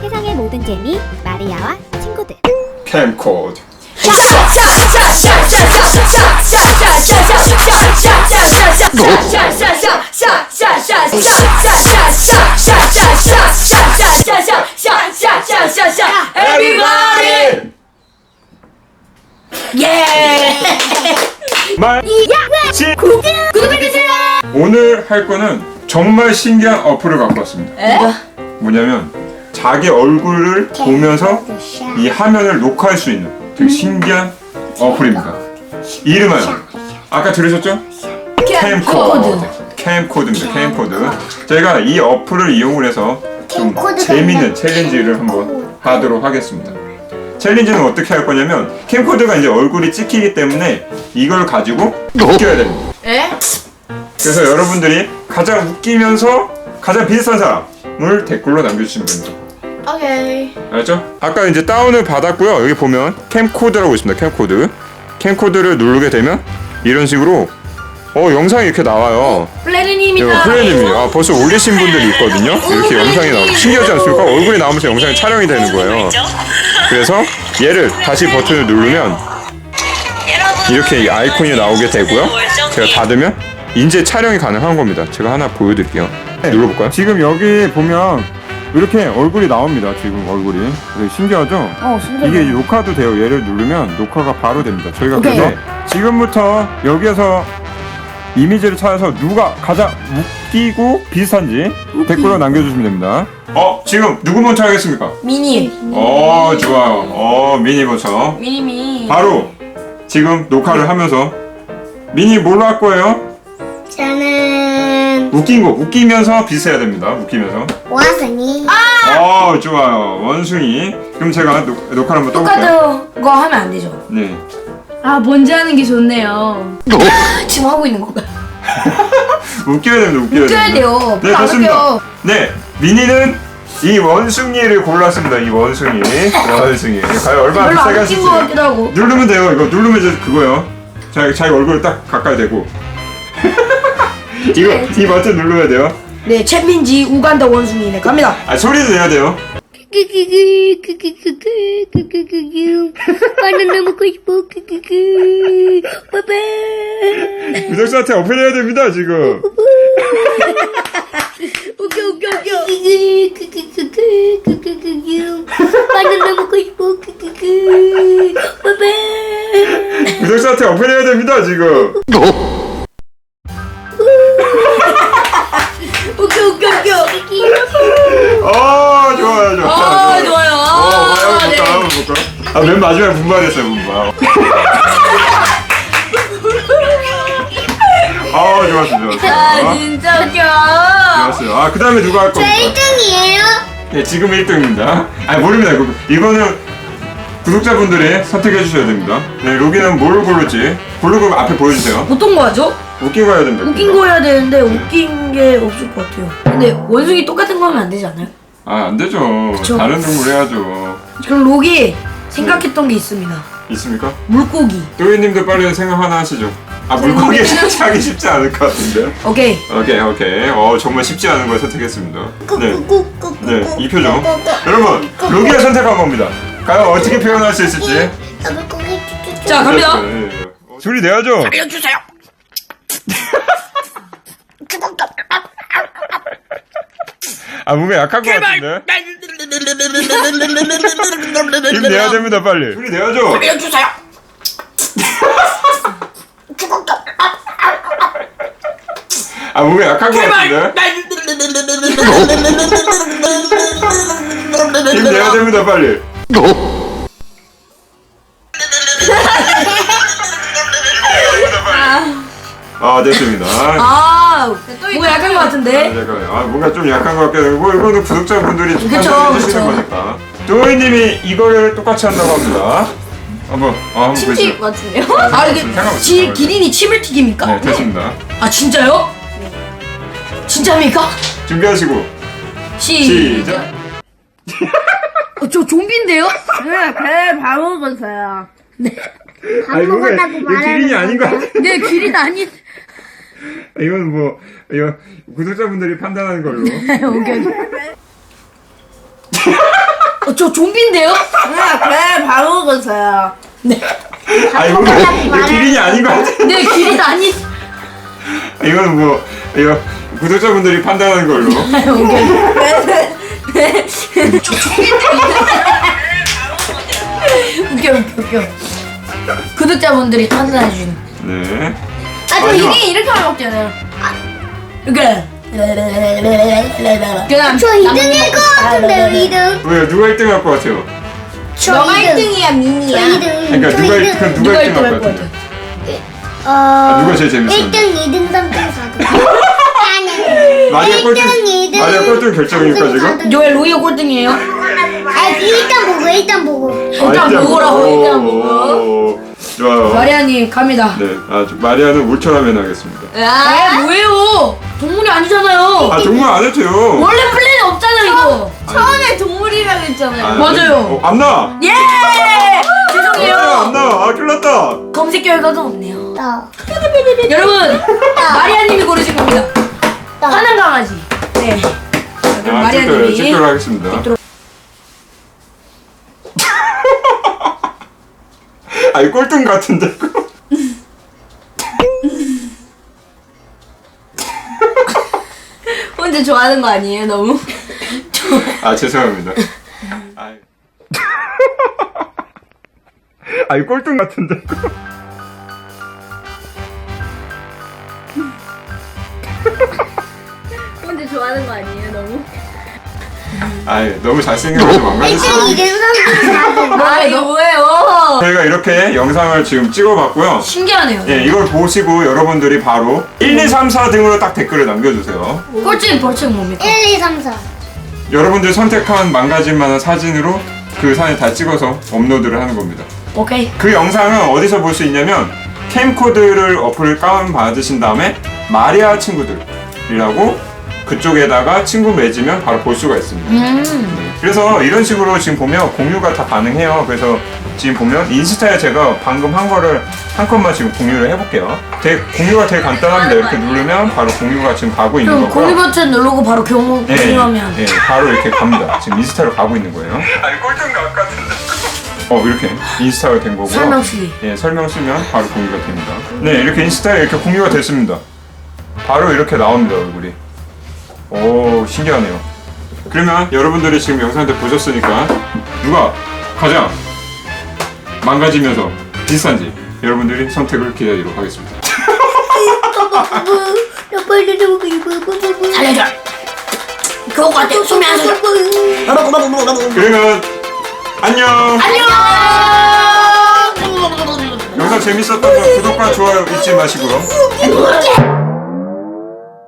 세상의 모든 재미 마리아와 친구들. 캠코드. Everybody! 구독해주세요! 오늘 할 거는 정말 신기한 어플을 갖고 왔습니다. 뭐냐면 자기 얼굴을 보면서 이 화면을 녹화할 수 있는 되게 신기한 어플입니다. 이름은 아까 들으셨죠? 캠코드입니다. 캠코드. 저희가 이 어플을 이용을 해서 좀 재밌는 챌린지를 한번 하도록 하겠습니다. 챌린지는 어떻게 할 거냐면 캠코드가 이제 얼굴이 찍히기 때문에 이걸 가지고 웃겨야 됩니다. 그래서 여러분들이 가장 웃기면서 가장 비슷한 사람을 댓글로 남겨주시면 됩니다. 오케이. 알았죠? 아까 이제 다운을 받았고요. 여기 보면 캠코드라고 있습니다. 캠코드. 캠코드를 누르게 되면 이런 식으로 영상이 이렇게 나와요. 플래리님이다. 플래님이 벌써 올리신 분들이 있거든요. 이렇게 영상이 나오고 신기하지 않습니까? 얼굴이 나오면서 영상이 촬영이 되는 거예요. 그래서 얘를 다시 버튼을 누르면 이렇게 아이콘이 나오게 되고요. 제가 닫으면 이제 촬영이 가능한 겁니다. 제가 하나 보여드릴게요. 눌러볼까요? 지금 여기 보면 이렇게 얼굴이 나옵니다. 지금 얼굴이 되게 신기하죠? 신기하다. 이게 녹화도 돼요. 얘를 누르면 녹화가 바로 됩니다. 저희가 오케이. 그래서 지금부터 여기에서 이미지를 찾아서 누가 가장 웃기고 비슷한지 댓글로 남겨주시면 됩니다. 지금 누구 먼저 하겠습니까? 미니. 좋아요. 미니 먼저. 미니미. 바로 지금 녹화를 하면서 미니 뭘로 할 거예요? 저는 웃기면서 비슷해야 됩니다. 웃기면서. 원숭이. 좋아요. 원숭이. 그럼 제가 녹화를 한번 떠볼게요. 똑같은 거 하면 안 되죠. 네. 먼저 하는 게 좋네요. 지금 하고 있는 건가요? 웃겨야 됩니다. 웃겨야 돼요. 네, 별로 안 좋습니다. 웃겨. 네, 미니는 이 원숭이를 골랐습니다. 이 원숭이. 과연 얼마나 별로 비싸게 안 하실지. 웃긴 것 같기도 하고. 누르면 돼요. 이거 누르면 이제 그거예요. 자기 얼굴을 딱 가까이 대고. 이 버튼 누르면 돼요. 네, 챗민지 우간다 원숭이네. 갑니다. 소리도 내야 돼요. 바나나 먹고 싶어. 빠빠. 구독자한테 어필해야 됩니다, 지금. 웃겨. 바나나 먹고 싶어. 빠빠. 구독자한테 어필해야 됩니다, 지금. 웃겨. 좋아요. 좋아요. 한번 볼까? 맨 마지막에 분발했어요, 분발. 좋았어. 진짜 웃겨. 좋았어요. 그 다음에 누가 할 겁니까? 1등이에요? 네, 지금 1등입니다. 모릅니다. 이거는 구독자분들이 선택해 주셔야 됩니다. 네, 로기는 뭘 고를지. 고르고 앞에 보여주세요. 보통 거 하죠? 웃긴 거 해야 됩니다. 웃긴 거 해야 되는데 웃긴 게 없을 것 같아요. 근데 원숭이 똑같은 거 하면 안 되지 않아요? 안 되죠. 그쵸. 다른 동물 해야죠. 그럼 록이 생각했던 게 있습니다. 있습니까? 물고기. 또이님도 빨리 생각 하나 하시죠. 물고기 하기 쉽지 않을 것 같은데요? 오케이. 오케이. 정말 쉽지 않은 걸 선택했습니다. 네, 이 표정. 여러분, 로기가 선택한 겁니다. 과연 어떻게 표현할 수 있을지. 자, 갑니다. 네. 소리 내야죠. 알려주세요. 뭔가 약한 것 같은데? 힘 내야 됩니다, 빨리. 소리 내야죠. 알려주세요. 뭔가 약한 것 같은데? 힘 내야 됩니다, 빨리. 됐습니다. 뭐 약한 거 같은데? 잠깐만요. 뭔가 좀 약한 것 같기도 하고, 이거는 구독자분들이 좀 그쵸, 판단해 주시는 그쵸. 거니까. 도희님이 이거를 똑같이 한다고 합니다. 한번 침튀 보여주세요. 같은데요? 이게 상관없어요. 기린이 침을 튀깁니까? 네, 됐습니다. 진짜요? 진짜입니까? 준비하시고, 시작! 저 좀비인데요? 배 바로 먹었어요. 밥 먹었다고 이거 기린이 말하는 아닌 것 같아. 네, 기린 아닌. 이건 구독자분들이 판단하는 걸로. 오케이. 저 좀비인데요? 배 방어건사야. 아 이거 기린이 아닌 것 같아. 네, 길이 아니. 이거는 뭐 이거 구독자분들이 판단하는 걸로. 웃겨. 구독자분들이 판단해 주는. 네. 아, 저 마지막. 이게 이렇게 하면 먹잖아요. 이렇게. 그냥 저 2등일 것 같은데요, 2등. 왜요? 누가 1등 할 것 같아요? 저 2등이야, 미니야. 2등. 그러니까 누가 1등 그럼 누가 1등 할 것 같아요? 누가 제일 재밌었는데? 1등, 2등, 3등, 4등. 아니. 마리아 1등, 꼴등 2등. 마리아 꼴등 결정이니까 지금? 왜 로이어 꼴등이에요? 아, 일단 보고. 일단 먹으라고, 일단 먹어. 먹어. 좋아요. 마리아님 갑니다. 네, 마리아는 울트라맨 하겠습니다. 아, 뭐예요? 동물이 아니잖아요. 아 동물 안 해도 돼요. 원래 플랜이 없잖아요, 이거. 처음에 동물이라고 했잖아요. 맞아요. 안 나. 예! 죄송해요. 안 나. 아 큰일 났다. 검색 결과가 없네요. 나. 여러분, 마리아님이 고르신 겁니다. 나. 화난 강아지. 네. 그럼 마리아님이. 찍도록 하겠습니다. 아이 꼴등 같은데 그거. 혼자 좋아하는 거 아니에요, 너무? 아 죄송합니다. 아이. 아이 꼴등 같은데 그거. 혼자 좋아하는 거 아니에요, 너무? 아이 너무 잘생겨서 망가졌어. 1등, 2등, 3등, 4등. 아, 이거 뭐예요? 저희가 이렇게 영상을 지금 찍어봤고요. 신기하네요. 예, 이걸 보시고 여러분들이 바로 1, 2, 3, 4등으로 딱 댓글을 남겨주세요. 꼴찌 벌칙 뭡니까? 1, 2, 3, 4. 여러분들 선택한 망가질 만한 사진으로 그 사진 다 찍어서 업로드를 하는 겁니다. 오케이. 그 영상은 어디서 볼 수 있냐면 캠코드를 어플을 다운받으신 다음에 마리아 친구들이라고 그쪽에다가 친구 맺으면 바로 볼 수가 있습니다. 네. 그래서 이런 식으로 지금 보면 공유가 다 가능해요. 그래서 지금 보면 인스타에 제가 방금 한 거를 한 컷만 지금 공유를 해볼게요. 공유가 되게 간단합니다. 이렇게 누르면 바로 공유가 지금 가고 있는 그럼 거고요. 공유 버튼 누르고 바로 공유하면. 예, 바로 이렇게 갑니다. 지금 인스타로 가고 있는 거예요. 아니 꼴등 같은데. 이렇게 인스타가 된 거고요. 설명 쓰기. 예, 설명 쓰면 바로 공유가 됩니다. 네, 이렇게 인스타에 이렇게 공유가 됐습니다. 바로 이렇게 나옵니다, 얼굴이. 오, 신기하네요. 그러면 여러분들이 지금 영상들 보셨으니까 누가 가장 망가지면서 비슷한지 여러분들이 선택을 기다리도록 하겠습니다. 살려줘. 그거 같아. 숨이 안 쉬어. 그러면 안녕. 안녕. 영상 재밌었다면 구독과 좋아요 잊지 마시고요.